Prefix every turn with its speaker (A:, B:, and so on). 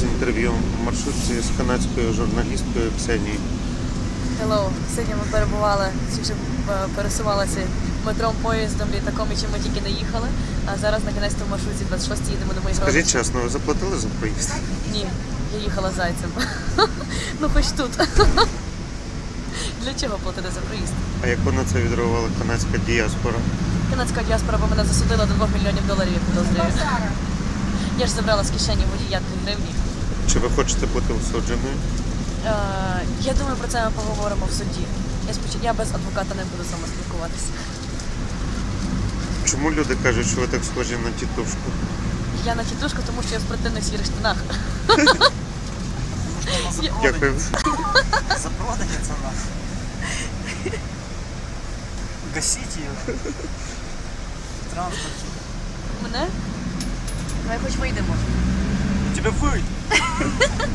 A: з інтерв'ю в маршрутці з канадською журналісткою Ксенією.
B: Hello. Сьогодні ми перебували, чи пересувалися метром, поїздом, літаком і чим ми тільки не їхали. А зараз накінець-то в маршрутці 26 їдемо до моїх родичів.
A: Скажіть чесно, ви заплатили за проїзд?
B: Ні, я їхала зайцем. Ну хоч тут. Для чого платити за проїзд?
A: А як на це відреагувала канадська діаспора?
B: Канадська діаспора бо мене засудила до $2 мільйонів, я підозрюю. Я ж забрала з кишені водія 2 гривні.
A: Чи ви хочете бути осудженою?
B: Я думаю, про це ми поговоримо в суді. Я без адвоката не буду з вами спілкуватися.
A: Чому люди кажуть, що ви так схожі на тітушку?
B: Я на тітушку, тому що я в спортивних сірих штанах.
A: Дякую.
C: Запроданец у нас. Гасите ее. Транспорт.
B: Мене? Давай хоч вийдемо.
C: Тебя выйдет.